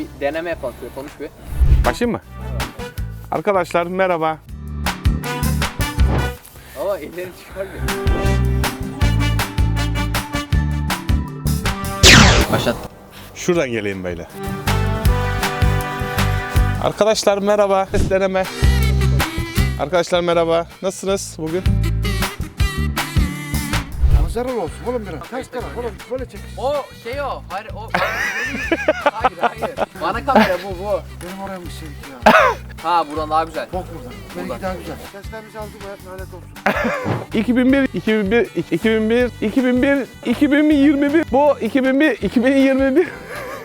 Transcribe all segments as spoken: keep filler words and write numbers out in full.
Bir deneme yapalım. Şöyle konuş bir. Başlayayım mı? Arkadaşlar merhaba. Ama ellerini çıkar bir. Başlat. Şuradan geleyim böyle. Arkadaşlar merhaba. Ses deneme. Arkadaşlar merhaba. Nasılsınız bugün? Zarar olsun oğlum biraz. Ters taraf oğlum böyle çek. O şey o. Hayır o. hayır hayır. Bana kamera bu bu. Benim oraya mı sevdik ya? Ha buradan daha güzel. Bok buradan. Benimki daha güzel. Seslerimizi aldı bu hayat lanet olsun. iki bin bir, iki bin bir, iki bin bir, iki bin bir, iki bin yirmi bir. Bu iki bin bir, iki bin yirmi bir.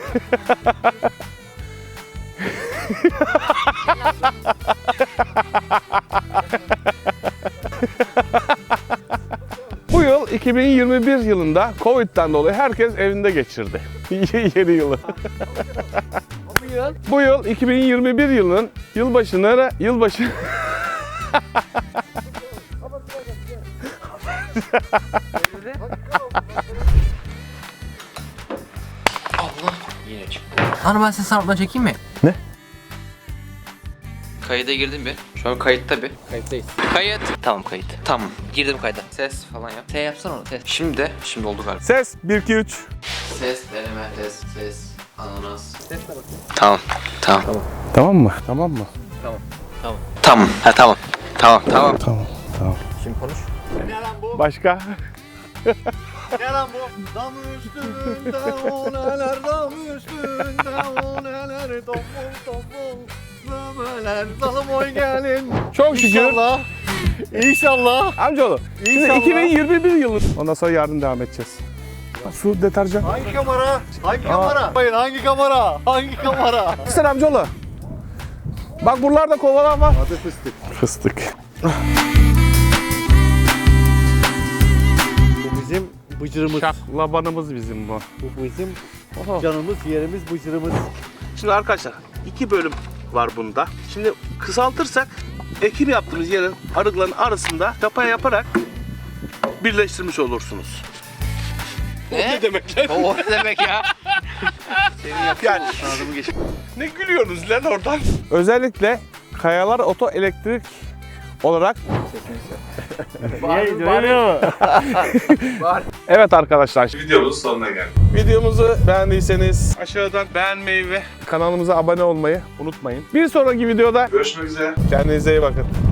Bu yıl iki bin yirmi bir yılında Covid'den dolayı herkes evinde geçirdi. Yeni yılı. Bu yıl. Bu yıl iki bin yirmi bir yılının yılbaşını yılbaşı Yine çıktı. Hani ben ses sanatına çekeyim mi? Ne? Kayıda girdim bir. Şu an kayıtta bir. Kayıttayız. Kayıt. Tamam kayıt. Tamam. Girdim kayda. Ses falan yap. T yapsana onu ses. Şimdi de. Şimdi oldu galiba. ses bir iki üç. Ses, deneme, ses, ses, ananas. Sesle bakayım. Tamam. Tamam. Tamam mı? Tamam mı? Tamam. Ha tamam. Tamam. Tamam. Tamam. Tamam. Şimdi konuş. Başka? Ne lan bu? Dam üstünde o neler, dam üstünde o neler, tombul tombul memeler, dalım oy gelin. Çok şükür. İnşallah. İnşallah. Amcaoğlu. Şimdi İnşallah. iki bin yirmi bir yılı. Ondan sonra yarın devam edeceğiz. Su, deterjan. Hangi kamera? Hangi kamera? Hayır hangi kamera? Hangi kamera? Sen amcaoğlu. Bak buralarda kovalar var. Adı fıstık. Fıstık. Bu bizim bıcırımız. Şaklabanımız bizim bu. Bu bizim canımız, yerimiz, bıcırımız. Şimdi arkadaşlar iki bölüm var bunda. Şimdi kısaltırsak ekim yaptığımız yerin arıkların arasında çapa yaparak birleştirmiş olursunuz. Ne? Ne demek lan? O ne demek ya? Yani ne gülüyorsunuz lan oradan? Özellikle Kayalar Oto Elektrik olarak Var var. Var. evet arkadaşlar videomuzun sonuna geldik. Videomuzu beğendiyseniz aşağıdan beğenmeyi ve kanalımıza abone olmayı unutmayın. Bir sonraki videoda görüşmek üzere. Kendinize iyi bakın.